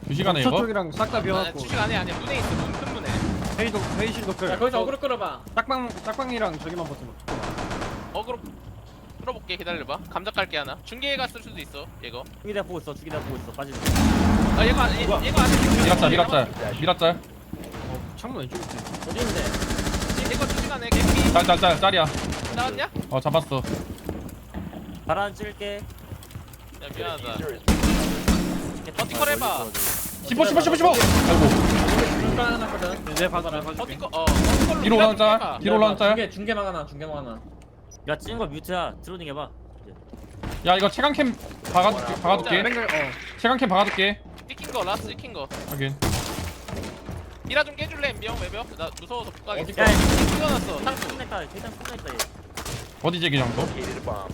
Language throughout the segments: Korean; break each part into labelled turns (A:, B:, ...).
A: 2시간에 이거?
B: 쪽이랑 싹 다 비워놨고.
C: 주식 안에 아니야. 문에 있어. 큰 문에.
B: 회의실 도클.
D: 야 거기서 어그로 끌어봐.
B: 딱방이랑 저기만 버티면.
C: 어그로 끌어볼게. 기다려봐. 감자 깔게 하나. 중계가 쓸 수도 있어. 얘거.
E: 죽이 내가 보고 있어. 죽이 내가 보고 있어. 빠지는.
C: 아 얘거 안 얘거 안에.
A: 미라짤
B: 창문 왼쪽 있지.
D: 어디 있는데?
C: 얘거 주식 안에 개피
A: 짤이야.
C: 나왔냐?
A: 어 잡았어.
E: 바람 찔게.
C: 야 미안하다. 버티컬 해봐.
A: 15 아이고
D: 중간 하나 거든.
B: 내 봐줘라.
C: 버티컬 버티컬로
A: 뒤로 올라온 짤.
C: 해봐.
A: 뒤로 올라온 짤.
D: 중계만 하나. 중계만 하나.
E: 야 찐 거 뮤트야. 드로닝 해봐.
A: 야 이거 체감캠 박아둘게.
B: 뱅글
A: 체감캠 박아둘게.
C: 찍힌 거 라스트 찍힌 거.
A: 확인.
C: 미라 좀 깨줄래? 엠비형 외벽? 나 무서워서 못 가겠어.
E: 야
C: 찍어놨어 상수.
E: 끝냈다. 일단 끝냈다 얘.
A: 어디지 그냥 또?
E: 그냥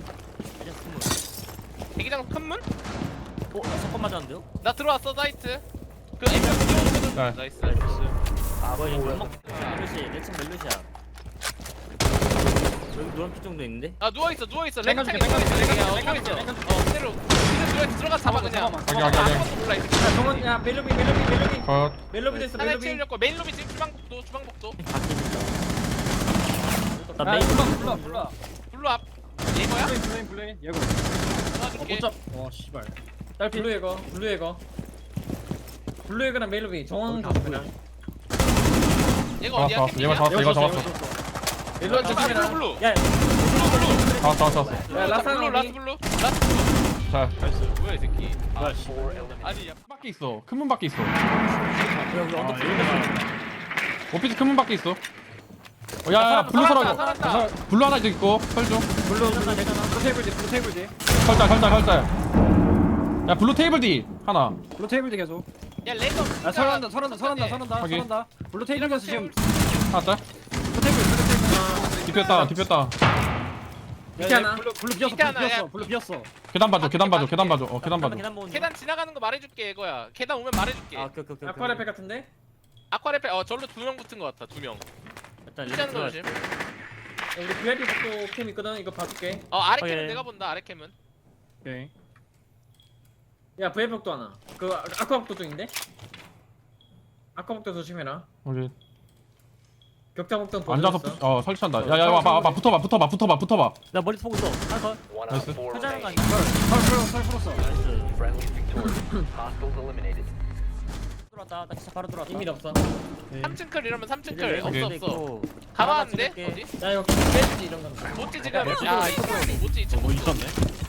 E: 스무.
C: 대기장 큰 문?
E: 나 석권 맞았는데요?
C: 나 들어왔어 사이트. 그 엠비형 뛰어오거든.
A: 네.
C: 나이스.
E: 아 뭐야 이거 멜로시. 내층 멜로시야. 여기 노란빛 정도 있는데?
C: 아 누워있어 누워있어.
B: 땡겨줄게,
C: 랭창에
B: 땡겨줄게,
C: 누워있어.
B: 땡겨줄게,
C: 누워있어.
B: 땡겨줄게.
C: 그대로 들어가 잡아 그냥.
A: 확인.
C: 아무것도 몰라 이 새끼.
D: 야 정원 야 멜로비.
A: 컷.
D: 멜로비 됐어.
C: 하나
D: 멜로비.
C: 채우려고 메인 로비 지금 주방복도.
E: 나
B: 야
E: 메인
B: 불러.
C: 블루 앞. 얘거야?
B: 블레인. 얘고.
C: 도와줄게.
B: 와 씨발.
D: 딸 블루 예거. 블루 예거랑 멜로비. 정원
B: 다
D: 가면.
C: 얘가
A: 잡았어
C: 어디야?
A: 잡았어. 얘가 잡았어. 얘가 잡았어.
D: 멜로비
C: 블루
D: 조심해라.
C: 블루.
E: 야
A: 잡았어.
D: 야 라스
C: 블루
D: 하나
C: 라스 블루. 라스 블루.
A: 자.
C: 나이스. 뭐야 이 새끼. 아니 야.
A: 밖에 있어. 큰 문 밖에 있어.
E: 여기 언덕
A: 오피스 큰 문 밖에 있어. 야 블루 서라고.
C: 살았다.
A: 블루 하나 있고 설중.
B: 블루 테이블 뒤.
A: 설자. 야 블루 테이블 D 하나.
B: 블루 테이블 뒤 계속.
C: 야 레이더.
B: 야 설한다. 블루 테이블 가서 지금
A: 하나 짤.
B: 블루 테이블.
A: 뒤폈다.
D: 밑에 하나.
B: 블루
C: 밑에 하나, 야.
B: 비었어.
A: 계단 봐줘. 계단 봐줘.
E: 계단 보는 중.
C: 계단 지나가는 거 말해줄게 이거야. 계단 오면 말해줄게.
E: 아 오케이.
D: 아쿠아레페 같은데?
C: 아쿠아레페 절로 2명 붙은 거 같아 2명.
E: 일단
C: 피자는 거 조심.
D: 야, 우리 VIP 복도 캠 있거든. 이거 봐줄게.
C: 아래
E: 오케이.
C: 캠은 내가 본다. 아래 캠은.
B: 오케이.
D: 야 VIP 복도 하나. 그 아쿠아 복도 쪽인데? 아쿠아 복도 조심해라.
A: 오케이.
D: 격자 복도는
A: 앉아서
D: 보여줬어.
A: 설치한다. 야야 와봐. 붙어봐.
E: 나 머리 보고 있어. 하나 더.
A: 나이스.
E: 하자는 거 아니야?
B: 설 풀었어.
E: 들어왔다. 나 진짜 바로 들어왔다.
D: 이미 없어.
C: 3층 클 이러면 3층 클
A: 오케이.
C: 없어. 가봤는데
E: 찍을게.
C: 어디?
D: 야 이거 깨지지 이런 거.
C: 모찌 지금 야 모찌 2층
A: 뭐 있었네.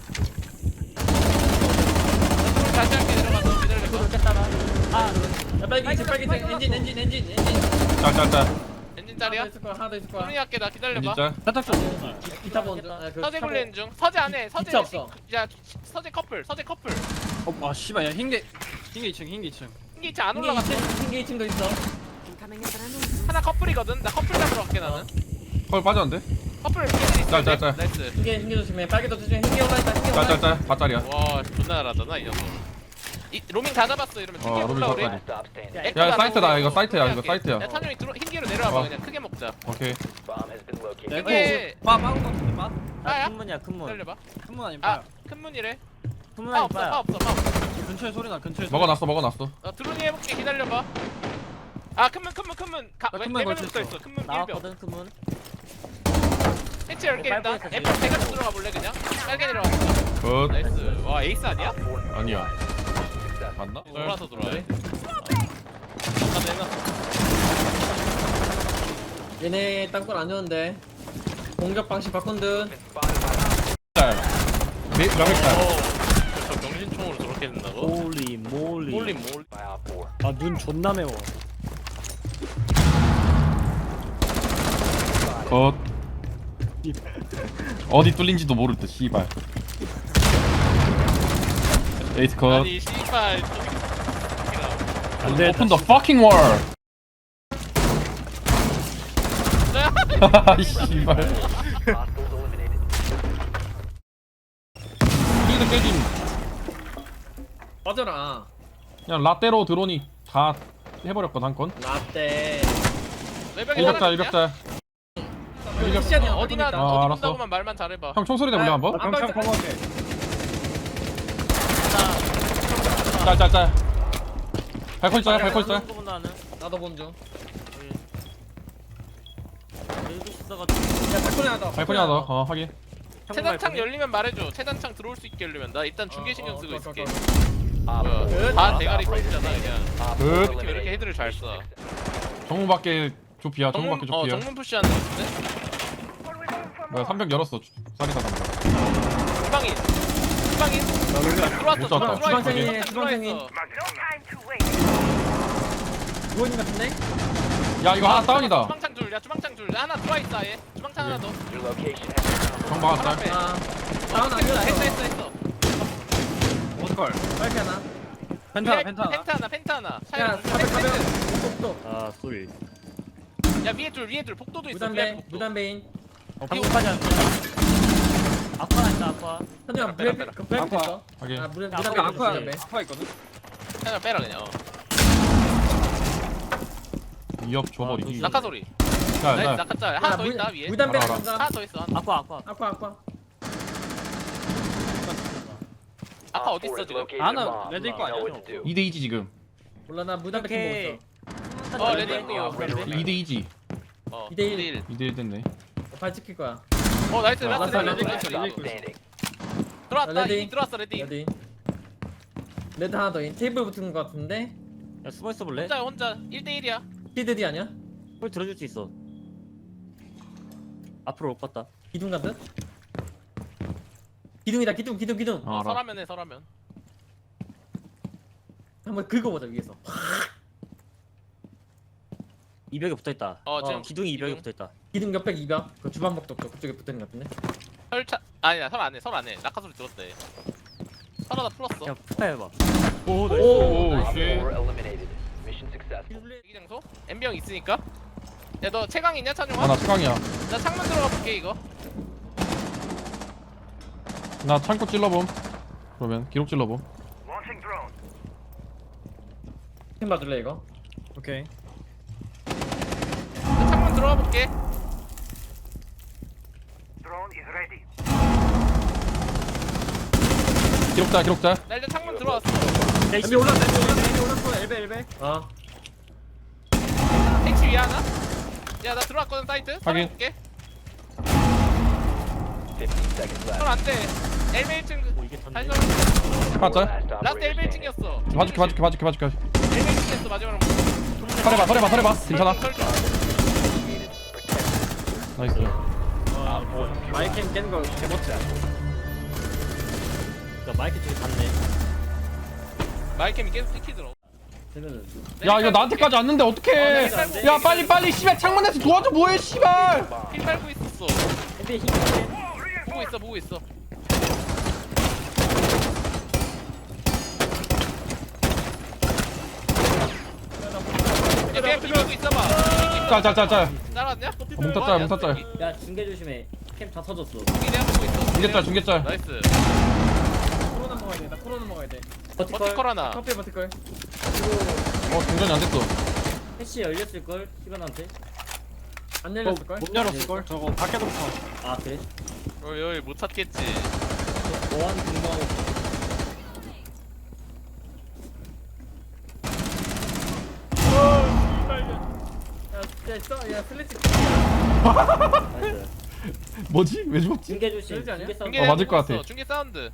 C: 다시 할게 들어가서 기다려.
E: 이거 깼다라.
D: 야 빨리 엔진.
A: 짤.
C: 엔진 짤이야?
D: 하나 더 있을 거야.
C: 소리 할게 나 기다려봐.
A: 짤.
B: 살짝 좀.
D: 기타 본드. 아, 그
C: 서재
D: 기타
C: 굴리는 중. 서재 안에 서재
D: 기타 없어.
C: 야 서재 커플.
B: 와 씨발 야 흰게 2층.
C: 흰게 2층 안 올라갔어.
D: 흰게 2층도 있어.
C: 하나 커플이거든. 나 커플 잡으러 갈게 나는.
A: 헐 빠졌는데?
C: 커플 걔들 있어.
A: 짤.
C: 나이스.
D: 흰게 조심해. 빨개도 조심해. 흰게 올라있다. 흰게 올라있다.
A: 짤. 바짤이야.
C: 와 존나 잘하잖아 이 녀석. 이 로밍 다 잡았어 이러면 크게
A: 로밍
C: 올라 우리.
A: 바꿔야 야 사이트다. 이거 사이트야.
C: 야 찬용이 흰기로 내려와봐
A: 어.
C: 그냥 크게 먹자.
A: 오케이.
C: 이게
B: 빠운 거 같은데 빠?
C: 빠야?
E: 큰 문이야 큰 문.
C: 기다려봐.
B: 큰문 아니면
C: 아
B: 빠야.
C: 큰 문이래.
E: 큰 문
C: 빠
E: 아니
C: 없어
E: 빠야.
C: 빠 없어.
B: 근처에 소리 나.
A: 먹어놨어.
C: 드론이 해볼게 기다려봐. 아 큰문.
B: 큰문 걸쳐
C: 붙어
B: 있어.
C: 있어. 큰문 1병.
E: 나왔거든 큰 문.
C: 해체 10개 있다.
E: 빨리
C: F 대가 좀 들어가 볼래 그냥. 빨개 내려왔어.
A: 굿.
C: 나이스. 와 에이스 아니야?
A: 아니야. 맞나?
C: 돌아서 돌아해.
D: 얘네 땅굴 안 좋은데. 공격 방식 바꾼 듯.
A: 짤. 명액 짤.
C: 저 병신총으로 저렇게 된다고?
E: 몰리 몰리.
C: 몰림.
B: 아눈 존나 매워.
A: 굿. 어디 뚫린지도 모를 듯 씨발. 에이스 컷.
C: 아니 씨발.
A: Open the fucking wall. 씨발. 스피드 깨짐.
D: 빠져라.
A: 그냥 라떼로 드론이 다 해버렸거든 한 건.
D: 라떼.
C: 외벽에
A: 일격자.
C: 어디나
A: 아, 알았어.
C: 어디다고만 말만 잘해봐.
A: 형 총소리 내볼래 한번?
B: 나 병창 커버할게.
A: 짤. 발코 있어요 발코 있어요.
E: 거 본다 나는.
D: 나도 먼저.
E: 일도 있어가지고.
D: 야 발코니 하나 더.
A: 발코니 하나 더. 확인.
C: 체단창 열리면 말해줘. 체단창 들어올 수 있게 열리면 나 일단 중계 신경 쓰고 있을게.
F: Op
C: 뭐야?
F: 4
C: 다 대가리 컷이잖아 그냥.
F: Op
A: 끝.
F: 4
C: 이렇게 왜 이렇게
F: eliminated.
C: 헤드를 잘 써?
A: 정문밖에 좁히야. 정문밖에
C: 정문
A: 좁히야.
C: 정문 푸시하는 거 같은데?
A: 뭐야 300 열었어. 쌀이 사람.
C: 주방인. 주방인. 들어왔어.
A: 못 쐈다.
D: 주방생이,
C: 주방생이.
D: 부모님 같은데?
A: 야 이거 하나 다운이다.
C: 주방창 둘. 야 주방창 둘. 하나 들어와 있어 아예. 주방창 하나 더.
F: Your location has been confirmed.
A: 정 막았다.
C: 하나 빼.
D: 아 다운 아니야.
C: 했어.
B: 어떡할
D: 빨리 하나.
B: 펜타
C: 펜타 하나.
D: 야
C: 샤이.
D: 가벼. 또.
E: 아 소리.
C: 야 위에 둘 복도도 있어.
D: 무담배
C: 복도.
D: 무담배인.
E: 방금까지 안 돼. 아빠 있다 아빠.
D: 현정
C: 빼라,
D: 브레이크
C: 빼라.
D: 그 브레이크
B: 아파.
D: 있어.
A: 확인.
D: 아
E: 야,
D: 무담배
E: 아까
B: 아쿠아
D: 무담배.
B: 아쿠아 있거든.
C: 하나 빼라 그냥.
A: 2업 줘버리기.
C: 낙하 소리.
A: 자,
C: 나이스
A: 자.
C: 낙하 짤. 하나 더 있다 위에.
D: 무담배
A: 알아, 알아.
C: 하나
D: 간다.
C: 더 있어.
E: 아빠.
D: 아쿠아.
C: 아까
F: Op
C: 어디
F: 4
C: 있어
F: has
C: 지금?
F: located
B: 하나
F: a bomb.
B: 레드 있고
F: Know
B: 아니야?
F: what to do.
A: 2대2지 지금.
D: 몰라 나 무담배
E: 오케이.
D: 킴 먹었어.
C: 레드 있고.
F: Operator
A: 2대2지.
C: 어.
D: 2대1.
C: 2대1.
A: 2대1 됐네.
D: 발 지킬 거야.
C: 어 나이스 라스트
D: 라스트,
C: 레드
D: 라스트,
C: 레드
F: Stop standing.
C: 들어왔다.
D: 레디.
C: 이 들어왔어 레디.
D: 레디. 레드 하나 더 인. 테이블 붙은 거 같은데.
E: 야 숨어 있어 볼래?
C: 혼자 1대1이야.
D: 히드디 아니야?
E: 홀 들어줄 수 있어. 앞으로 올 것 같다.
D: 기둥 같은? 기둥이다 기둥.
A: 어, 알아.
C: 설하면.
D: 한번 긁어보자 위에서.
E: 이벽에 붙어 있다.
C: 지금
E: 기둥이 이벽에
C: 기둥.
E: 붙어 있다.
D: 기둥 옆에 2벽. 그 주방복도 없고 그쪽에 붙어있는 거 같은데.
C: 설차 아니야 설 안해 낙하 소리 들었대. 설하다 풀었어.
E: 야 푸파 해봐.
A: 오,
F: Op
A: 오,
F: 4
A: 쉣.
F: eliminated. Mission successful.
C: 대기 장소? 엠병 있으니까. 야 너 채광 있냐 찬용아?
A: 아, 나 최강이야.
C: 나 창문 들어가 볼게 이거.
A: 나 창고 찔러봄. 그러면 기록 찔러봄.
D: 팀 봐줄래 이거?
B: 오케이.
C: 나 창문 들어가 볼게.
A: 기록자.
C: 나 일단 창문 들어왔어.
B: 엘비 올랐어. 엘베.
D: 어.
C: 택시 위에 하나? 야 나 들어왔거든 사이트.
A: 확인.
C: 볼게.
F: 15 seconds left.
C: 설 안돼. 엘베 1층.
E: 오 이게 던데.
C: 다시
A: 하나 짤.
F: Last
C: 라스트 엘베
F: operator standing.
C: 1층이었어.
A: 봐줄게.
C: 엘베 1층이었어 마지막으로.
A: 설해봐. 괜찮아.
C: 설정.
F: Initiated. Protect.
A: 나이스.
B: 마이캠 깬 거 개멋지야.
E: 야 마이크 쪽에 갔네.
C: 마이캠이 계속 찍히더라고.
E: 되면은.
A: 야 이거 나한테까지 왔는데 어떡해. 야 빨리 씨발 창문에서 도와줘 뭐해 씨발.
C: 힐 빨고 있었어.
E: 근데 힘이
C: 보고 있어. 야 그냥 비비고 있어봐.
A: 짤.
C: 따라왔냐?
A: 뭉탔짤.
E: 야 중계 조심해. 캠 다 터졌어.
C: 내가 보고 있어.
A: 중계짤.
C: 나이스.
D: 코로나 먹어야 돼. 나 코로나 먹어야 돼.
C: 버티컬 하나.
D: 커피 버티걸.
A: 동전이 안 됐어.
E: 패시 열렸을 걸 시간한테.
D: 안 열렸을 걸?
B: 못 열었을 걸. 저거 밖에도 붙어.
E: 아 그래?
C: 어이 못 찾겠지.
E: 보안 근무하고.
D: 야 슬래치.
E: 나이스.
A: 뭐지? 왜 죽었지?
E: 중계 조심.
D: 그러지 않냐?
E: 중계 싸움.
C: 중계
A: 맞을 것
C: 내가
A: 같아.
C: 중계 사운드.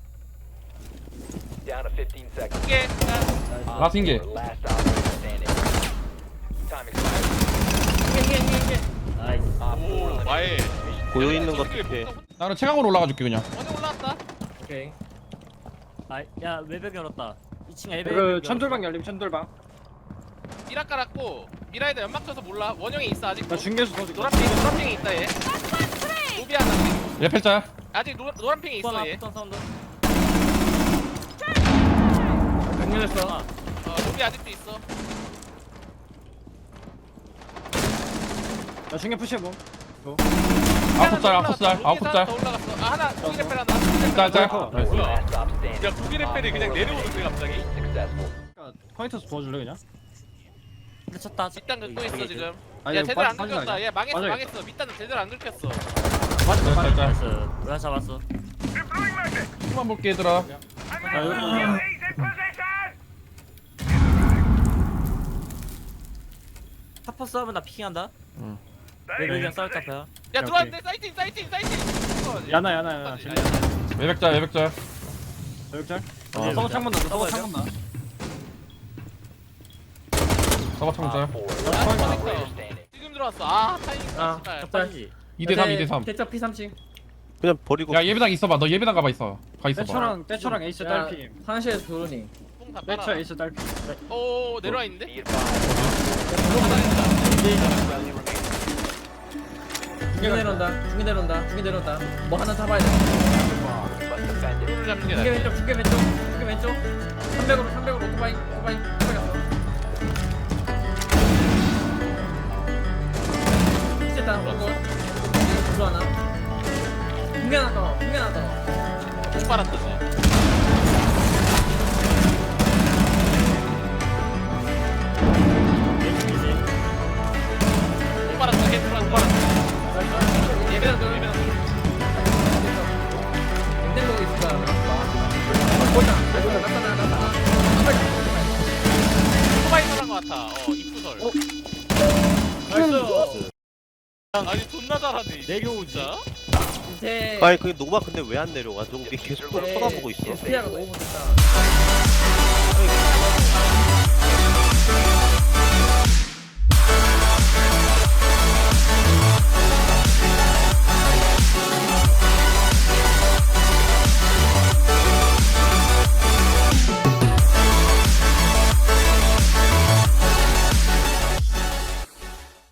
F: Down to 15 seconds.
C: 중계. 야,
F: Op
A: 라스트 인게.
F: 4 last operator standing. Time expired.
E: 나이스.
F: Op 4
C: 오
F: eliminated.
C: 와해.
G: 고여 있는 것
C: 저기
G: 같아.
A: 나는 최강으로 올라가 줄게 그냥.
C: 어디 올라왔다.
D: 오케이.
E: 아야 외벽 열었다. 2층 엘베.
B: 그 천돌방 열림 천돌방.
C: 미라 깔았고 미라에다 연막 쳐서 몰라. 원형이 있어 아직.
B: 나 중계수 더 줄게.
C: 노란핑이 있다 얘. 로비 하나.
A: 레펠짤.
C: 아직 노란핑이 있어 얘.
E: 붙던 사운드.
D: 안 열렸어.
C: 로비 아직도 있어.
B: 나 중계 푸시해봄.
A: 아홉짤.
C: 더 올라갔어. 아 하나 고기 레펠 하나.
A: 짤. 나이스.
C: 뭐야?
F: Last stop standing.
C: 야 고기 레펠이 그냥 내려오는데 갑자기.
F: Successful.
B: 포인트에서 도와줄래 그냥?
E: 근데 쳤다.
C: 밑단 긁고 있어 지금.
B: 아니,
C: 야 제대로 안
B: 빠지-
C: 긁혔다. 얘 망했어
B: 빠져야겠다.
C: 망했어. 밑단은 제대로 안 긁혔어.
A: 짤.
E: 나이스. 왜 잡았어?
A: 힘만 볼게 얘들아.
B: 나 여기
E: 타퍼스 하면 나 피킹한다.
A: 응.
E: 레벨이랑 싸울 카페야.
C: 야 들어왔는데 사이팅.
B: 야나 야나
C: 아,
A: 외벽자 외벽자.
B: 여기짤
A: 어.
B: 서버 창문 나 서버 창문 나
A: 서버 창자.
F: Op 4, last operator standing.
C: 지금 들어왔어. 아 타이밍
D: 아,
C: 씨발.
E: 적반이지.
A: 2대3 2대3.
D: 대차 P30.
G: 그냥 버리고
A: 야 예배당 있어봐. 너 예배당 가봐 있어. 가 있어봐.
B: 떼초랑 에이스 딸피
D: 화장실에서 도르니.
C: 뽕다
B: 떼초
C: 빨아.
B: 에이스 딸피
C: 오 내려와
F: Be
C: 있는데?
F: advised.
D: 중계 내려온다. 중계 내려온다. 중계 내려온다. 뭐 하나 잡아야 돼.
F: Must defend it.
C: 를 잡는 게
D: 중계
C: 낫지.
D: 왼쪽. 중계 왼쪽. 중계 왼쪽. 300으로 오토바이 갔어. 됐다. 오고. 불러 하나. 중계 하나 더. 중계 하나 더.
C: 뽕 빨았다 쟤. 뽕 빨았다 걔 들어왔다.
D: 예배당 도
C: 예배당
D: 냉장고 있을 거야. 보자. 나타나.
C: 오토바이 설한 거 같아. 입구설.
B: 나이스
C: 아니 존나 잘하네.
E: 내려오지.
D: 이제
G: 아니 그게 노바 근데 왜 안 내려가? 저거 계속 쳐다보고 있어.
D: SPR가 너무 못했다.